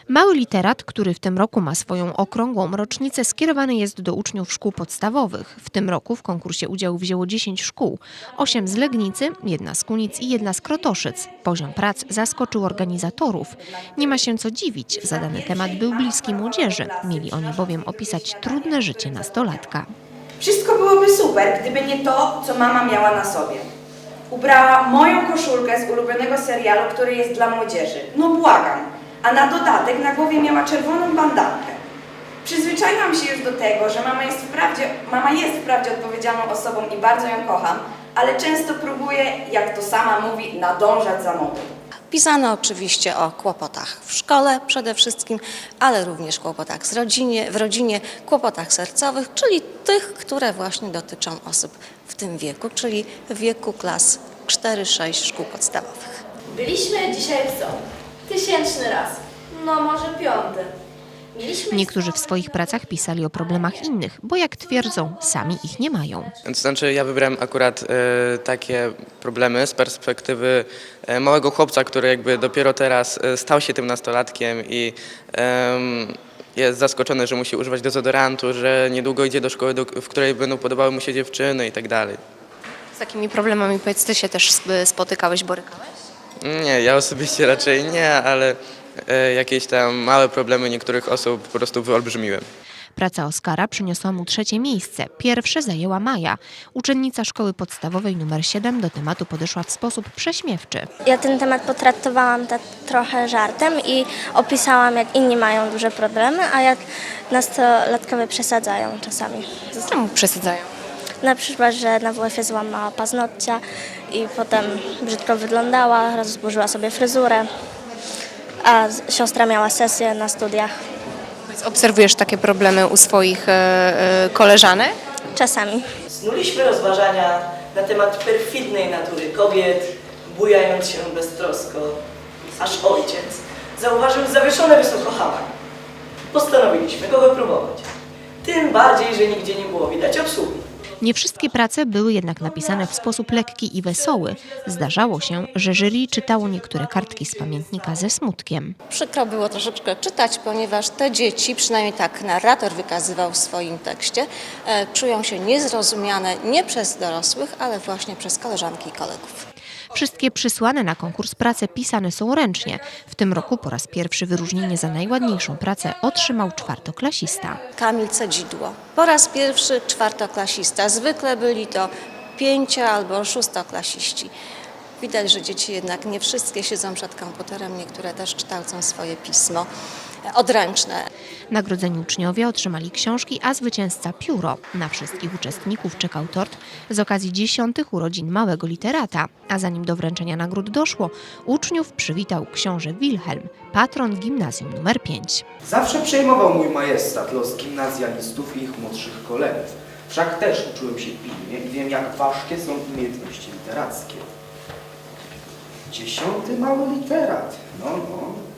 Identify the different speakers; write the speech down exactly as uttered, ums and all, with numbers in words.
Speaker 1: Mały literat, który w tym roku ma swoją okrągłą rocznicę, skierowany jest do uczniów szkół podstawowych. W tym roku w konkursie udział wzięło dziesięć szkół, osiem z Legnicy, jedna z Kunic i jedna z Krotoszyc. Poziom prac zaskoczył organizatorów. Nie ma się co dziwić, zadany temat był bliski młodzieży. Mieli oni bowiem opisać trudne życie nastolatka.
Speaker 2: Wszystko byłoby super, gdyby nie to, co mama miała na sobie. Ubrała moją koszulkę z ulubionego serialu, który jest dla młodzieży. No błagam. A na dodatek na głowie miała czerwoną bandankę. Przyzwyczaiłam się już do tego, że mama jest wprawdzie, mama jest wprawdzie odpowiedzialną osobą i bardzo ją kocham, ale często próbuje, jak to sama mówi, nadążać za modą.
Speaker 3: Pisano oczywiście o kłopotach w szkole przede wszystkim, ale również kłopotach z rodzinie, w rodzinie, kłopotach sercowych, czyli tych, które właśnie dotyczą osób w tym wieku, czyli w wieku klas cztery sześć szkół podstawowych.
Speaker 4: Byliśmy dzisiaj w zoo. Tysięczny raz. No może piąty. Mieliśmy
Speaker 1: Niektórzy w swoich pracach pisali o problemach innych, bo jak twierdzą, sami ich nie mają.
Speaker 5: To znaczy ja wybrałem akurat e, takie problemy z perspektywy e, małego chłopca, który jakby dopiero teraz e, stał się tym nastolatkiem i e, jest zaskoczony, że musi używać dezodorantu, że niedługo idzie do szkoły, do, w której będą podobały mu się dziewczyny i tak dalej.
Speaker 1: Z takimi problemami, powiedz, ty się też spotykałeś, borykałeś?
Speaker 5: Nie, ja osobiście raczej nie, ale e, jakieś tam małe problemy niektórych osób po prostu wyolbrzymiłem.
Speaker 1: Praca Oskara przyniosła mu trzecie miejsce. Pierwsze zajęła Maja. Uczennica szkoły podstawowej numer siedem do tematu podeszła w sposób prześmiewczy.
Speaker 6: Ja ten temat potraktowałam tak trochę żartem i opisałam, jak inni mają duże problemy, a jak nastolatkowie przesadzają czasami.
Speaker 1: Czemu przesadzają?
Speaker 6: Na przykład, że na W F-ie złamała paznokcia i potem brzydko wyglądała, rozburzyła sobie fryzurę, a siostra miała sesję na studiach.
Speaker 1: Obserwujesz takie problemy u swoich e, e, koleżanek?
Speaker 6: Czasami.
Speaker 7: Snuliśmy rozważania na temat perfidnej natury kobiet, bujając się beztrosko, aż ojciec zauważył zawieszone wysoko hama. Postanowiliśmy go wypróbować. Tym bardziej, że nigdzie nie było widać obsługi.
Speaker 1: Nie wszystkie prace były jednak napisane w sposób lekki i wesoły. Zdarzało się, że jury czytało niektóre kartki z pamiętnika ze smutkiem.
Speaker 3: Przykro było troszeczkę czytać, ponieważ te dzieci, przynajmniej tak narrator wykazywał w swoim tekście, e, czują się niezrozumiane nie przez dorosłych, ale właśnie przez koleżanki i kolegów.
Speaker 1: Wszystkie przysłane na konkurs prace pisane są ręcznie. W tym roku po raz pierwszy wyróżnienie za najładniejszą pracę otrzymał czwartoklasista.
Speaker 3: Kamil Cedzidło. Po raz pierwszy czwartoklasista. Zwykle byli to pięcio- albo szóstoklasiści. Widać, że dzieci jednak nie wszystkie siedzą przed komputerem, niektóre też kształcą swoje pismo odręczne.
Speaker 1: Nagrodzeni uczniowie otrzymali książki, a zwycięzca pióro. Na wszystkich uczestników czekał tort z okazji dziesiątych urodzin małego literata. A zanim do wręczenia nagród doszło, uczniów przywitał książę Wilhelm, patron gimnazjum numer pięć.
Speaker 8: Zawsze przejmował mój majestat los gimnazjalistów i ich młodszych kolegów. Wszak też uczyłem się pilnie i wiem, jak ważkie są umiejętności literackie. Dziesiąty mały literat. No, no.